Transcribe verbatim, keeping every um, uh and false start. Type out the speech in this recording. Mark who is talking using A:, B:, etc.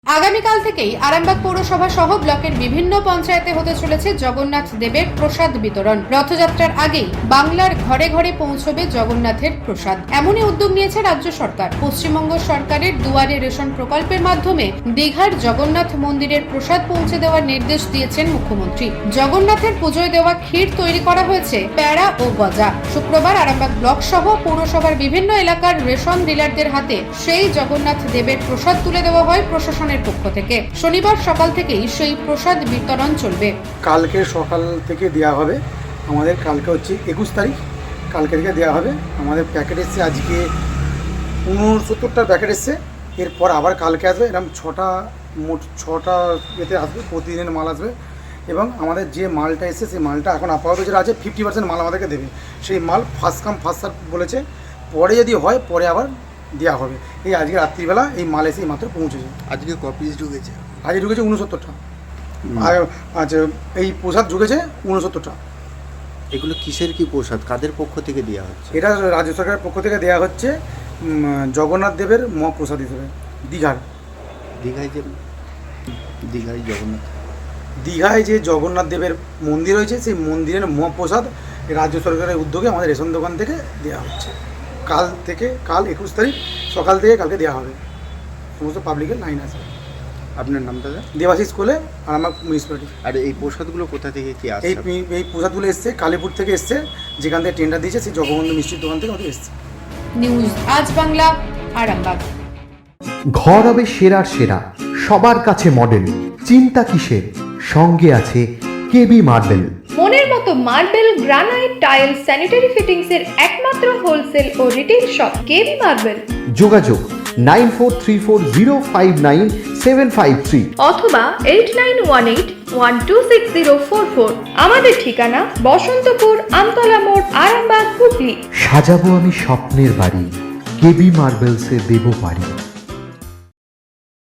A: আগামীকাল থেকেই আরামবাগ পৌরসভা সহ ব্লকের বিভিন্ন পঞ্চায়েতে হতে চলেছে জগন্নাথ দেবের প্রসাদ বিতরণ। রথযাত্রার আগেই বাংলার ঘরে ঘরে পৌঁছবে জগন্নাথের প্রসাদ। এমনই উদ্যোগ নিয়েছে রাজ্য সরকার। পশ্চিমবঙ্গ সরকারের দুয়ারে রেশন প্রকল্পের মাধ্যমে দীঘার জগন্নাথ মন্দিরের প্রসাদ পৌঁছে দেওয়ার নির্দেশ দিয়েছেন মুখ্যমন্ত্রী। জগন্নাথের পুজোয় দেওয়া ক্ষীর তৈরি করা হয়েছে প্যাড়া ও গজা। শুক্রবার আরামবাগ ব্লক সহ পৌরসভার বিভিন্ন এলাকার রেশন ডিলারদের হাতে সেই জগন্নাথ দেবের প্রসাদ তুলে দেওয়া হয় প্রশাসনের পক্ষ থেকে। শনিবার সকাল থেকেই সেই প্রসাদ বিতরণ চলবে।
B: কালকে সকাল থেকে দেওয়া হবে। আমাদের কালকে হচ্ছে একুশ তারিখ, কালকে থেকে দেওয়া হবে। আমাদের প্যাকেট এসছে আজকে উনসত্তরটার প্যাকেট এসছে। এরপর আবার কালকে আসবে, এরকম ছটা মোট ছটা এতে আসবে, প্রতিদিনের মাল আসবে। এবং আমাদের যে মালটা এসছে সেই মালটা এখন আপাতত যেটা আছে ফিফটি পার্সেন্ট মাল আমাদেরকে দেবে। সেই মাল ফার্স্ট কাম ফার্স্ট সার্ভ বলেছে, পরে যদি হয় পরে আবার দেওয়া হবে। এই আজকে রাত্রিবেলা এই মাল এসে মাত্র পৌঁছেছে।
C: আজকে কপিস ঢুকেছে,
B: আজকে ঢুকেছে উনসত্তরটা। আর আচ্ছা, এই প্রসাদ ঢুকেছে উনসত্তরটা।
C: এগুলো কিসের কি প্রসাদ, কাদের পক্ষ থেকে দেওয়া হচ্ছে?
B: এটা রাজ্য সরকারের পক্ষ থেকে দেওয়া হচ্ছে জগন্নাথ দেবের মহাপ্রসাদ হিসেবে। দীঘার
C: দীঘায় যে দীঘায় জগন্নাথ
B: দীঘায় যে জগন্নাথ দেবের মন্দির রয়েছে সেই মন্দিরের মহাপ্রসাদ রাজ্য সরকারের উদ্যোগে আমাদের রেশন দোকান থেকে দেওয়া হচ্ছে। কাল থেকে কাল একুশ তারিখ সকাল থেকে কালকে দেওয়া হবে। সমস্ত পাবলিকের লাইন আছে।
C: আপনার নাম দাদা?
B: দেবাশিস কোলে, আর আমার মিউনিসিপ্যালিটি।
C: আর এই প্রসাদগুলো কোথা থেকে কি আসছে?
B: এই এই প্রসাদগুলো এসছে কালীপুর থেকে এসছে, যেখান থেকে টেন্ডার দিয়েছে সেই জগবন্ধু মিষ্টির দোকান থেকে আমাদের এসছে।
A: নিউজ আজ বাংলা, আরামবাগ।
D: ঘর হবে সেরার সেরা, সবার কাছে মডেল। চিন্তা কিসের, সঙ্গে আছে কেবি মার্বেল।
E: মনের মতো marble, granite, tile, sanitary fittings এর একমাত্র হোলসেল ও রিটেল শপ কেবি মার্বেল।
D: যোগাযোগ nine four three four zero five nine seven five three
E: অথবা eight nine one eight one two six zero four four. আমাদের ঠিকানা বসন্তপুর, আমতলা মোড়, আরামবাগ, হুগলি।
D: সাজাবো আমি স্বপ্নের বাড়ি, কেবি মার্বেলসে দেবো বাড়ি।